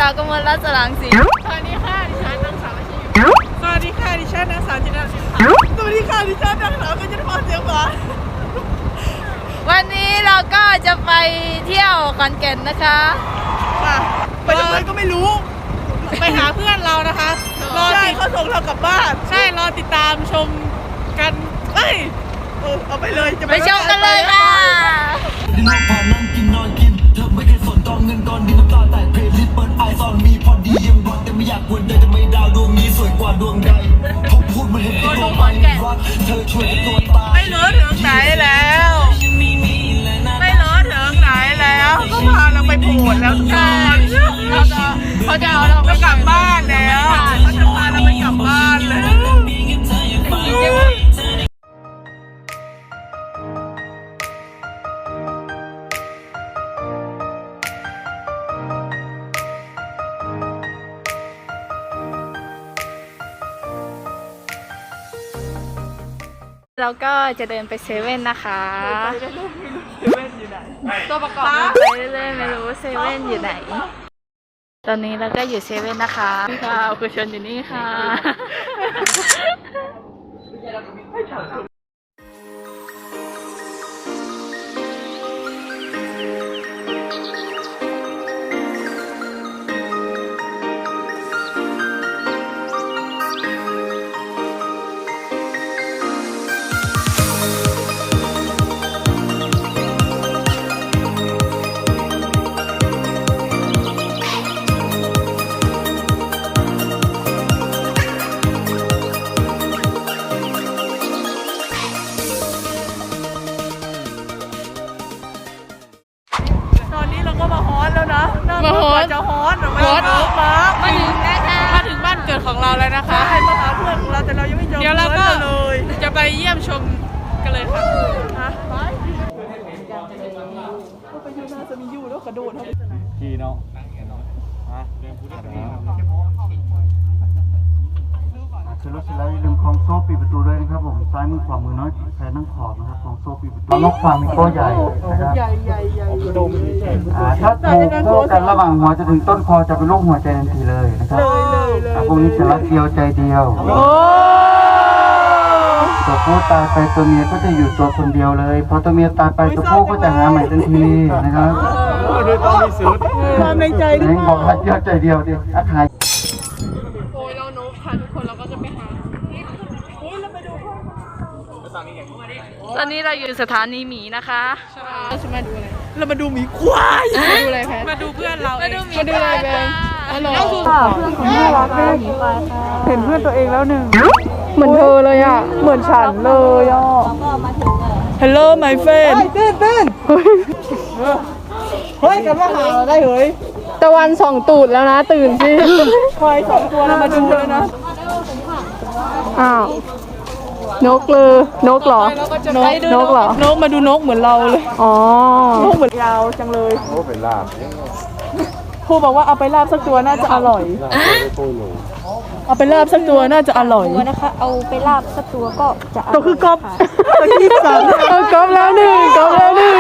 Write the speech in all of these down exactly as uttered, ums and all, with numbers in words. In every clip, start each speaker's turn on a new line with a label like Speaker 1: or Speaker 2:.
Speaker 1: าวกมลรัตน์สรางศรี
Speaker 2: สวัสดีค่ะดิฉันนางสาวอาชีพสวัสดีค่ะดิฉันนางสาวจินดาศิลป์สวัสดีค่ะดิฉันนางสาวกัญจนาพรเสียงหวาน
Speaker 1: วันนี้เราก็จะไปเที่ยวขอนแก่นนะคะ
Speaker 2: ค่ะไปทำไมก็ไม่รู้ไปหาเพื่อนเรานะคะรอติดเขาส่งเรากลับบ้านใช่รอติดตามชมกันเอ้ยเอาไปเลยจะ
Speaker 1: ไปชมกันเลยค่ะ
Speaker 3: ดินพอนั่งกินนอนกินเธอไม่เคยสนกองเงินก้อนดินน้ำตาแตกเพลย์ลิสต์เปิดไอซอนมีพอดียังร้อนแต่ไม่อยากกวนใจจะไม่ดาวดวงนี้สวยกว่าดวงใดเขาพูดมันเห็นตัวตัวมันรักเธอช่วยตัวตาย
Speaker 2: ไม่รู้ถึงไหนแล้วไม่รู้ถึงไหนแล้วก็พาเราไปโผล่แล้วทุกคน
Speaker 1: เขาจะเขาจะเอาเราไป
Speaker 2: กลับบ้านแล้วเขาจะพาเราไปกลับบ้านแล้ว
Speaker 1: เราก็จะเดินไปเซเว่นนะคะ
Speaker 2: เซเว่นอยู่ไหน
Speaker 1: ตัวประกอบไปเรื่อยๆไม่รู้เซเว่นอยู่ไหนตอนนี้เราก็อยู่เซเว่นนะคะค่ะคุณชนอยู่นี่ค่ะ
Speaker 2: มาฮอนจะฮอนฮอนมา
Speaker 1: มาถึงนะคะ
Speaker 2: มาถึงบ้านเกิดของเราแล้วนะคะให้มาหาเพื่อนของเราแต่เรายังไม่เจอเดี๋ยวเราก็เลยจะไปเยี่ยมชมกันเลยค่ะฮะไปไปยูน่าจะมียูแล้วกระโดดเขาขี่เนาะ
Speaker 4: คือรถเสร็จแล้วอย่าลืมคล้องโซ่ปิดประตูด้วยนะครับผมซ้ายมือขวามือน้อยแพนั่งขอบนะครับคล้องโซ่ปิดประตูนกฟามิงโก้ใหญ่นะครับ
Speaker 2: ใหญ่ใหญ่ใหญ่ดม
Speaker 4: ถ้าถูกโซ่กันระหว่างหัวจะถึงต้นคอจะเป็นลูกหัวใจทันทีเลยนะครับเลยเลยเลยพวกนี้จะรักเดียวใจเดียวตัวผู้ตายไปตัวเมียก็จะอยู่ตัวคนเดียวเลยพอตัวเมียตายไปตัวผู้ก็จะหาใหม่ทันทีนะครับ
Speaker 2: ด้วยต้องมีสุดความในใจด้วย
Speaker 4: บอกรักเดียวใจเดียวดิอาคาย
Speaker 2: โอ้ยเราโน้ตค่ะทุกคนเราก็จะไปหาโอ้ยเราไปดูห้อง
Speaker 1: ตอนนี้เราอยู่สถานีหมีนะคะ
Speaker 2: เราจะมาดูอะไรเรามาดูหมีควายมาดูอะไรแพทมาดูเพื่อนเรา
Speaker 1: มาดูหมี
Speaker 2: มาดูอะไรแบง
Speaker 1: อ๋อเหรอ
Speaker 2: เพื่อนของน่ารักแม่หมีควายค่ะเห็นเพื่อนตัวเองแล้วหนึ่งเหมือนเธอเลยอ่ะเหมือนฉันเลยอ่ะ Hello my friend เต้นเต้นเฮ้ยกันว่าหาได้เฮ้ยตะวันส่องตูดแล้วนะตื่นสิควายสองตัวเรามาดูเลยนะอ้าวนกเลยนกเหรอนกนกเหรอนกมาดูนกเหมือนเราเลยอ๋อนกเหมือนยาวจังเลย
Speaker 4: โอ้เป็นลาบ
Speaker 2: ครูบอกว่าเอาไปลาบสักตัวน่าจะอร่อยเอาไปลาบสักตัวน่าจะอร่อย
Speaker 5: นะคะเอาไปลาบสักตัวก็จะ
Speaker 2: ตัวคือกบตัวที่สามกบแล้วหนึ่งกบแล้วหนึ่ง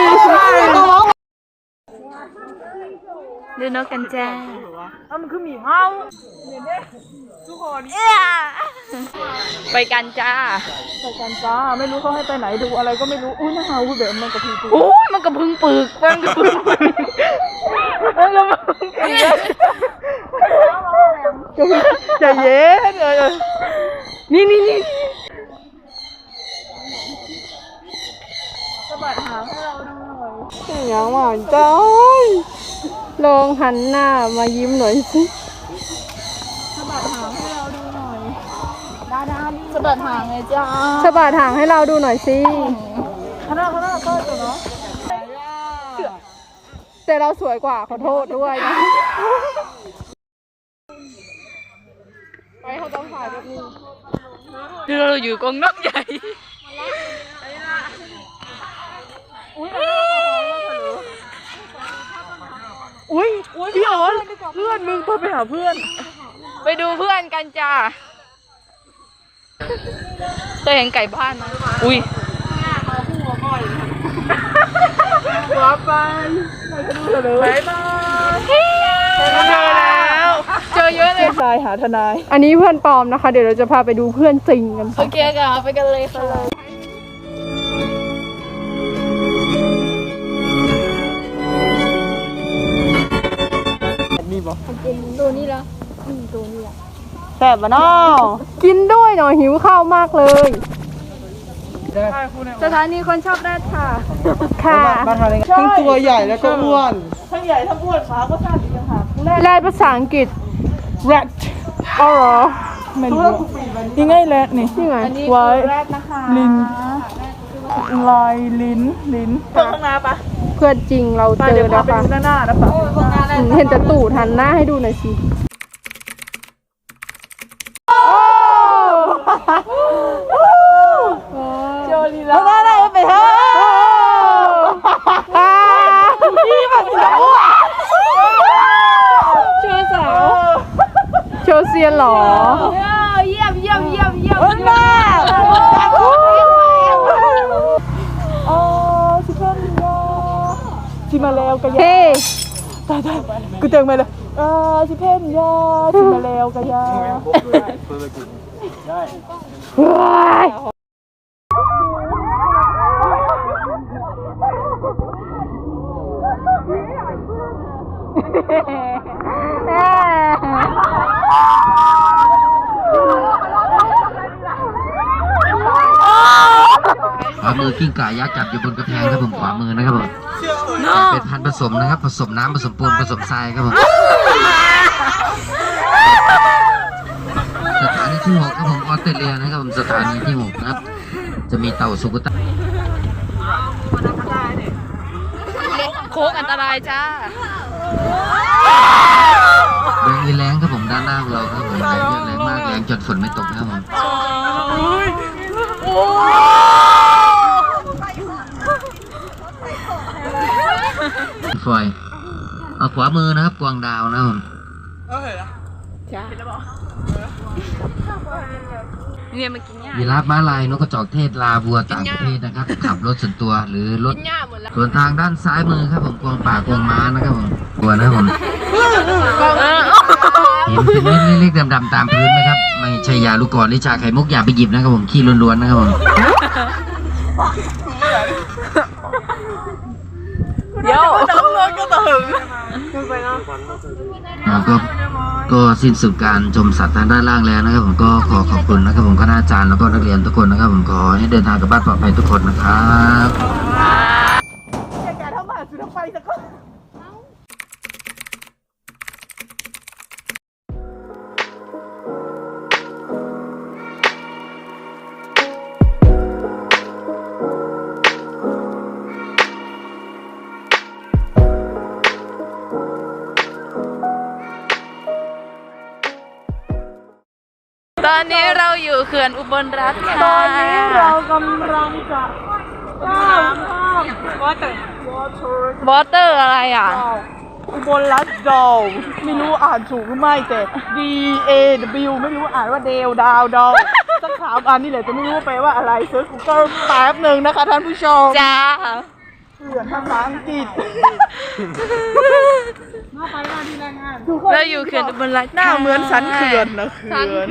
Speaker 1: ดูนกกันจ้า
Speaker 2: อ้าวมันคือหมีเห่าเนี่ยทุกคน
Speaker 1: ไปกันจ้า
Speaker 2: ไปกันจ้าไม่รู้เขาให้ไปไหนดูอะไรก็ไม่รู้อุ้ยน่าเห่าแบบมันกระพือ
Speaker 1: โอ้ยมันกระพึงปึกมันกระพึงปึกมันกระพึงปึ
Speaker 2: กใจเย็นเลยนี่นี่นี่สะบัดหางให้เราดูหน่อยอย่างหวานจ้าลองหันหน้ามายิ้มหน่อยสิสะบัดหางให้เราดูหน่อยด้าด้าสะบัดหางเลยจ้าสะบัดหางให้เราดูหน่อยสิข้างหน้าข้างหน้าก็ตัวเนาะแต่เราสวยกว่าขอโทษด้วยนะไปเขาต้องถ่ายแบบนี้
Speaker 1: คือเราอยู่กรงนกใหญ่
Speaker 2: อุ้ยอุ้ยพี่อ๋อนเพื่อนมึงเพื่อไปหาเพื่อน
Speaker 1: ไปดูเพื่อนกันจ้าเคยเห็นไก่บ้านไหมอุ้ย
Speaker 2: ว้าไปไปดูเถอะเลยบายบายเจอแล้ว
Speaker 1: อเยอะเลย
Speaker 2: ทนายหาทนาย อันนี้เพื่อนปลอมนะคะ เดี๋ยวเราจะพาไปดูเพื่อนจริงกัน
Speaker 1: โอเคค่ะไปกันเลยค่ะ
Speaker 2: แซ่บปะน้อกินด้วยหน่อยหิวข้าวมากเลย
Speaker 1: สถานีคนชอบแรดค่ะ
Speaker 2: ค่ะ
Speaker 6: ทั้งตัวใหญ่แล้วก็อ้วน
Speaker 2: ทั้งใหญ่ทั้งอ้วนขาก็สั้นอีกต่างหากแรดภาษาอังกฤษ rat อ๋อเหรอไม่รู้ยังไงแรดนี่ยังไงไว้ลิ้นลายลิ้นลิ้นเพื่อนข้างหน้าปะเพื่อนจริงเราเจอแล้วค่ะหน้านะปะเห็นแต่ตูดหันหน้าให้ดูหน่อยสิโจลีลาได้ได้ไปเถอะนี่แบบสาวโชว์สาวโชว์เซียนหรอเยี่ยมเยี่ยมเยี่ยมเยี่ยมมากโอ้ชิคเก้นยาชิมาแล้วกันยาตายตายกูเจอมาเลยเออชิคเก้นยาชิมาแล้วกันยา
Speaker 7: ขวามือกิ้งก่ายักษ์จับอยู่บนกระแพงครับผมขวามือนะครับผมเป็นพันธุ์ผสมนะครับผสมน้ำผสมปูนผสมทรายครับผมสถานีที่หกครับผมออสเตรเลียนะครับผมสถานีที่หกนะครับจะมีเต่าสุกุตะ
Speaker 1: โค้งอันตรายจ้า
Speaker 7: แรงอีแรงครับผมด้านหน้าของเราครับผมแรงเยอะแรงมากแรงจนฝนไม่ตกนะครับผมฟอยเอาขวามือนะครับกวางดาวนะครับผม
Speaker 1: จ้าเนี่ยมากินหญ้า
Speaker 7: ยีราฟม้าลายนกกระจอกเทศลาวัวต่างประเทศนะครับขับรถส่วนตัวหรือรถส่วนทางด้านซ้ายมือครับผมกวางป่ากวางม้านะครับผมตัวนะครับผมเห็นเป็นเม็ดเล็กๆดำๆตามพื้นไหมครับไม่ใช่ยาลูกกรหรือชาไข่มุกอย่าไปหยิบนะครับผมขี้ล้วนๆนะครับผม
Speaker 1: เดี๋ยว
Speaker 7: อ่าก็ก็สิ้นสุดการชมสัตว์ทางด้านล่างแล้วนะครับผมก็ขอขอบคุณนะครับผมคณาจารย์แล้วก็นักเรียนทุกคนนะครับผมขอให้เดินทางกลับบ้านปลอดภัยทุกคนนะครับ
Speaker 1: ตอนนี้เราอยู่เขื่อนอุบลรัตน์ค่ะ
Speaker 2: ตอนนี้เรากำลังจะข้ามข้ามวอเตอร์
Speaker 1: วอเตอร์อะไรอ่ะ
Speaker 2: อุบลรัตน์ดาวไม่รู้อ่านถูกหรือไม่แต่ D A W ไม่รู้อ่านว่าเดวดาวดาวสักสามอันนี่แหละจะไม่รู้ว่าแปลว่าอะไรเซิร์ช Google แป๊บหนึ่งนะคะท่านผู้ชม
Speaker 1: จ้า
Speaker 2: เขื่อนภาษาอังกฤษ
Speaker 1: เราอยู่เขื่อนอุบลรัตน์
Speaker 2: หน้าเหมือนสันเขื่อนนะเขื่อน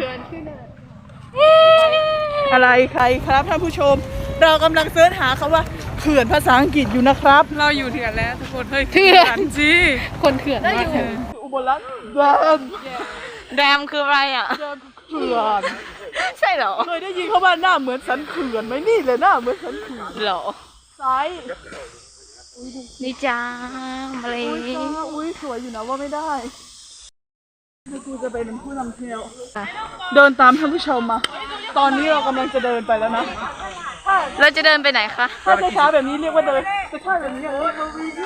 Speaker 2: อะไรใครครับท่านผู้ชม เรากำลังเสิร์ชหาคำว่าเขื่อนภาษาอังกฤษอยู่นะครับ
Speaker 6: เราอยู่เถื่อนแล้วทุกคน เฮ้ย
Speaker 1: เขื่อน
Speaker 6: จี
Speaker 1: คนเขื่อนมากเลย
Speaker 2: อุบลรัตน์แดม
Speaker 1: แรมคืออะไรอ่ะ
Speaker 2: แดมเขื่อน
Speaker 1: ใช่เหรอ
Speaker 2: เคยได้ยินเขาว่าหน้าเหมือนสันเขื่อนไหมนี่เลยหน้าเหมือนสันเขื่อน
Speaker 1: เหรอ
Speaker 2: ซ้าย
Speaker 1: นี่จ้ามาเลย
Speaker 2: อุ้ยจ้าอุ้ยสวยอยู่นะว่าไม่ได้นี่กูจะเป็นผู้นำเที่ยวเดินตามท่านผู้ชมมา ตอนนี้เรากำลังจะเดินไปแล้วนะ
Speaker 1: เราจะเดินไปไหนคะ
Speaker 2: ถ้าช้าๆแบบนี้เรียกว่าเดินแต่ถ้าแบบนี้เออ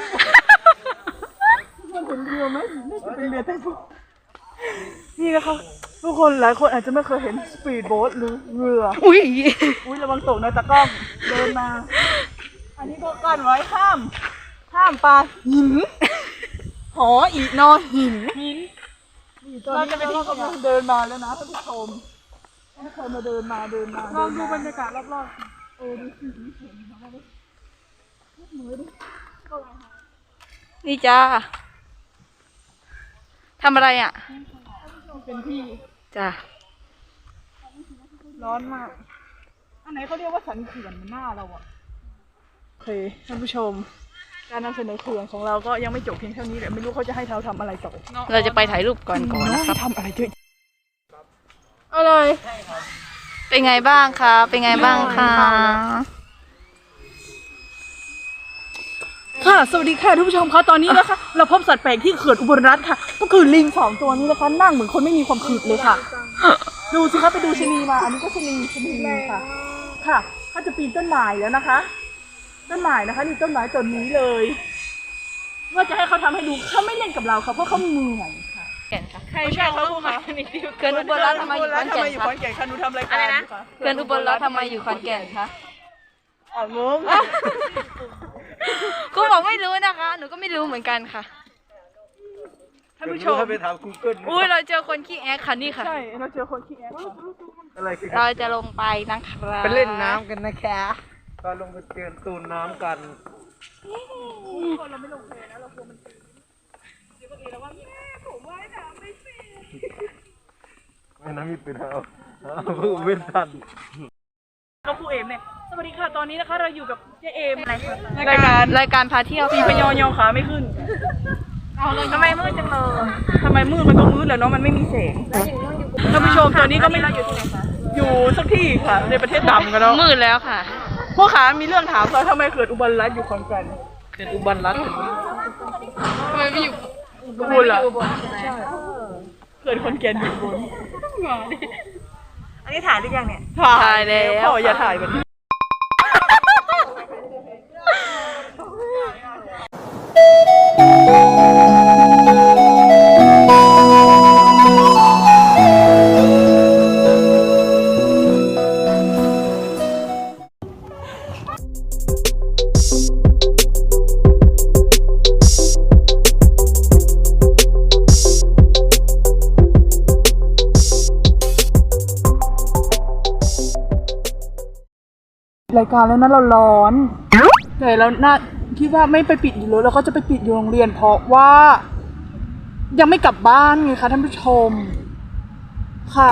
Speaker 2: มันเป็นเรือไหมน่าจะเป็นเรือแต่พวกนี่นะคะทุกคนหลายคนอาจจะไม่เคยเห็นสปีดโบ๊ทหรือเรือ
Speaker 1: อุ้ย
Speaker 2: อุ้ยระวังตกนะตะกล้องเดินมา อันนี้ก็กั้นไว้ห้าม ห้ามปลาหินหออีนอหินหินเราจะไปที่กำลังเดินมาแล้วนะท่านผู้ชมไม่เคยมาเดินมาเดินมาลองดูบรรยากาศรอบๆเออดูสิ
Speaker 1: นี่จ้าทำอะไรอ่ะ
Speaker 2: เป็นที่
Speaker 1: จ้ะ
Speaker 2: ร้อนมาก อันไหนเขาเรียกว่าสันเขื่อนมันหน้าเราอะโอเคท่านผู้ชม การนำเสนอเขื่อนของเราก็ยังไม่จบเพียงเท่านี้เดี๋ยวไม่รู้เขาจะให้เราทำอะไรต่อ
Speaker 1: เราจะไปถ่ายรูปก่อนก่อน
Speaker 2: นะ
Speaker 1: นะ
Speaker 2: ค
Speaker 1: ค
Speaker 2: รั
Speaker 1: รั
Speaker 2: บบ ทำอะไรเยอะ
Speaker 1: อะไรเป็นไงบ้างคะเป็นไงบ้างคะ
Speaker 2: ค่ะ สวัสดีค่ะท่านผู้ชมคะตอนนี้นะคะ เราพบสัตว์แปลกที่เขื่อนอุบลรัตน์ค่ะ ก็คือลิงสองตัวนี้นะคะ นั่งเหมือนคนไม่มีความขืดเลยค่ะ ดูสิคะไปดูชะนีมา อันนี้ก็ชะนีชะนีค่ะ ค่ะเขาจะปีนต้นไม้แล้วนะคะ ต้นไม้นะคะนี่ต้นไม้ต้นนี้เลยว่าจะให้เขาทำให้ดูเขาไม่เล่นกับเราค่ะเพราะเขาเหนื่อยค่ะ
Speaker 1: แก่นค่ะ
Speaker 2: ใครชอบเขาคะ
Speaker 1: เขื่อนอุบลรัตน์ทำไมอยู่ขอนแก่น
Speaker 2: ทำไมอยู่ขอนแก่นคะหนูทำรายการอยู่ค่ะ
Speaker 1: เขื่อนอุบลรัตน์ทำไมอยู่ขอนแก่นคะ
Speaker 2: อ่างง
Speaker 1: กูบอกไม่รู้นะคะ หนูก็ไม่รู้เหมือนกันค่ะ
Speaker 2: ท่านผู้ชม
Speaker 4: ไปถาม Google
Speaker 1: อุ้ยเราเจอคนขี้แอคค่ะนี่ค่ะ
Speaker 2: ใช่เราเจอคนขี้แอบค่ะ
Speaker 4: อะไรคือ
Speaker 1: เราจะลงไปนะครับ
Speaker 6: ไปเล่นน้ำกันนะคะ
Speaker 4: ก็ลงไปเตือนตูนน้ำกัน
Speaker 2: คนเราไม่ลงเพลนะเรากลัวมันตีเดี๋ยวก็เองแล้วว่าแม่ผมว่ายน้ำไม่เป็น
Speaker 4: ไม่น้ำมีเป็นเอาเพิ่งเว้นทัน
Speaker 2: น้องครูเอมเนี่ยสวัสดีค่ะตอนนี้นะคะ เราอยู่กับเจเอม
Speaker 1: อะไรคะ
Speaker 2: รายการ
Speaker 1: รายการพาเที่ยว
Speaker 2: ตีพยอยอขาไม่ขึ้น
Speaker 1: ทำไมมืดจังเลย
Speaker 2: ทำไมมืดมันก็มืดแหล้วเนาะมันไม่มีแสงท่านผู้ชมตอนนี้ก็ไม่อยู่ที่ไหนคะอยู่สักที่ค่ะในประเทศดำกันเนาะ
Speaker 1: มืดแล้วค่ะ
Speaker 2: พวกขามีเรื่องถามเราทำไมเกิดอุบลรัตน์อยู่ขอนแก่น
Speaker 6: เขื่อนอุบลรัตน์
Speaker 1: ทำไมไม่อยู่
Speaker 2: อุบลล่ะใช่เกิดขอนแก่นอยู่อุบลอันนี้ถ่ายหรือยังเนี่ย
Speaker 1: ถ่ายแล้ว
Speaker 2: พ่ออย่าถ่ายแบบนี้ รายการแล้วนะเราร้อนแต่เราน่าคิดว่าไม่ไปปิดอยู่เลยเราก็จะไปปิดอยู่โรงเรียนเพราะว่า ยังไม่กลับบ้านไงคะท่านผู้ชมค่ะ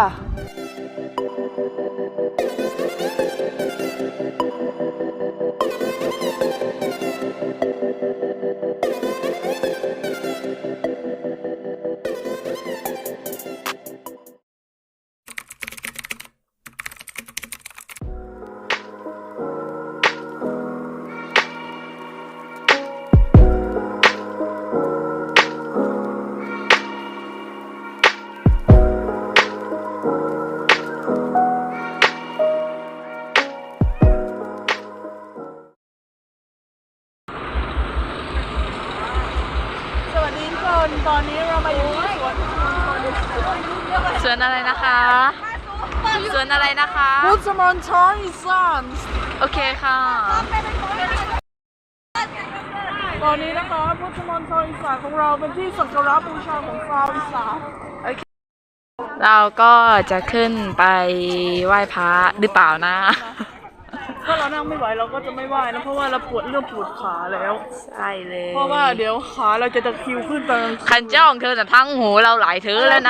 Speaker 2: สวัสดีทุกคนตอนนี้เรามาอยู่ที่สวน
Speaker 1: สวนอะไรนะคะ สวนอะไรนะคะ
Speaker 2: พุทธมณฑลอีสาน
Speaker 1: โอเคค่ะ
Speaker 2: ตอนนี้นะคะพุทธมณฑลอีสานของเราเป็นที่สักการะบูชาของชาวอีสาน
Speaker 1: เราก็จะขึ้นไปไหว้พระหรือเปล่านะ
Speaker 2: ถ้าเรานั่งไม่ไหวเราก็จะไม่ไหวนะเพราะว่าเราปวดเรื่องปวดขาแล้ว
Speaker 1: ใช่เลย
Speaker 2: เพราะว่าเดี๋ยวขาเราจะตะคริวขึ้นตอนกลางคืน
Speaker 1: คันจ้องเธอแต่ทั้งหูเราหลายเธอแล้วนะ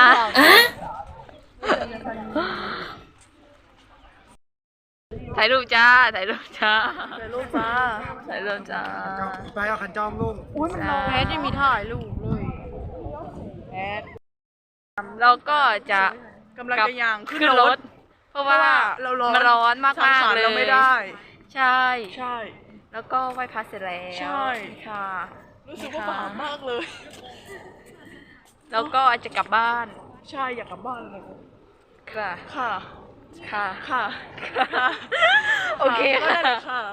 Speaker 1: ถ่ายรูปจ้า ถ่ายรูปจ้า
Speaker 2: แต่ลูกจ้า
Speaker 1: ถ่ายรูปจ้า
Speaker 4: ไปเอาขันจอมลุง
Speaker 2: อุ้ยมันร้อน
Speaker 1: แพทยังมีถ่ายรูปเลยแพทเราก็จะ
Speaker 2: กำลังจะย่างขึ้น
Speaker 1: ขึ้น
Speaker 2: ร
Speaker 1: ร
Speaker 2: ถ
Speaker 1: ถ เพราะว่า
Speaker 2: เราร้อน
Speaker 1: มันร้อนมาก
Speaker 2: สัง
Speaker 1: มาก
Speaker 2: ขาร
Speaker 1: เลย
Speaker 2: เราไม่ได้
Speaker 1: ใช่
Speaker 2: ใช่
Speaker 1: แล้วก็ไหว้พระเสร็จแล้ว
Speaker 2: ใช่
Speaker 1: ค่ะ
Speaker 2: รู้สึกว่าบาปมากเลย
Speaker 1: แล้วก็จะกลับบ้าน
Speaker 2: ใช่อยากกลับบ้านเลย
Speaker 1: ค่ะ
Speaker 2: ค่ะ
Speaker 1: ค่ะ
Speaker 2: ค่ะ
Speaker 1: โอเค
Speaker 2: ก็ได้เลยค่ะ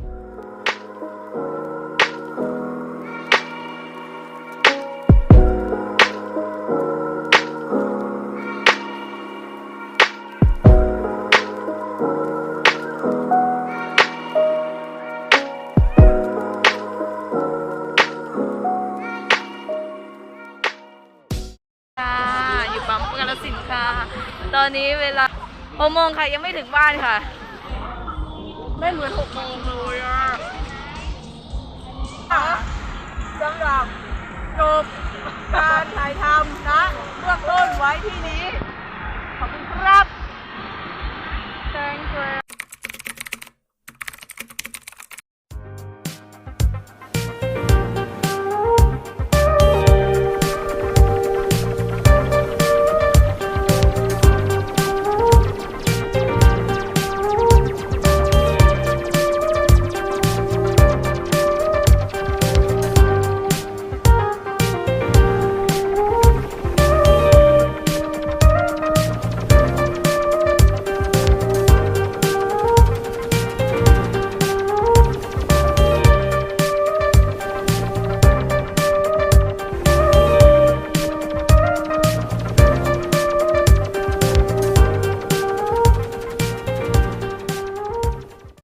Speaker 1: ค่ะอยู่ปั๊มกาฬสินธุ์ค่ะ ตอนนี้เวลาหกโมงค่ะยังไม่ถึงบ้านค่ะ
Speaker 2: ไม่เหมือนหกโมงเลยอ่ะสำหรับจบการถ่ายทำนะเบื้องต้นไว้ที่นี้ ขอบคุณครับ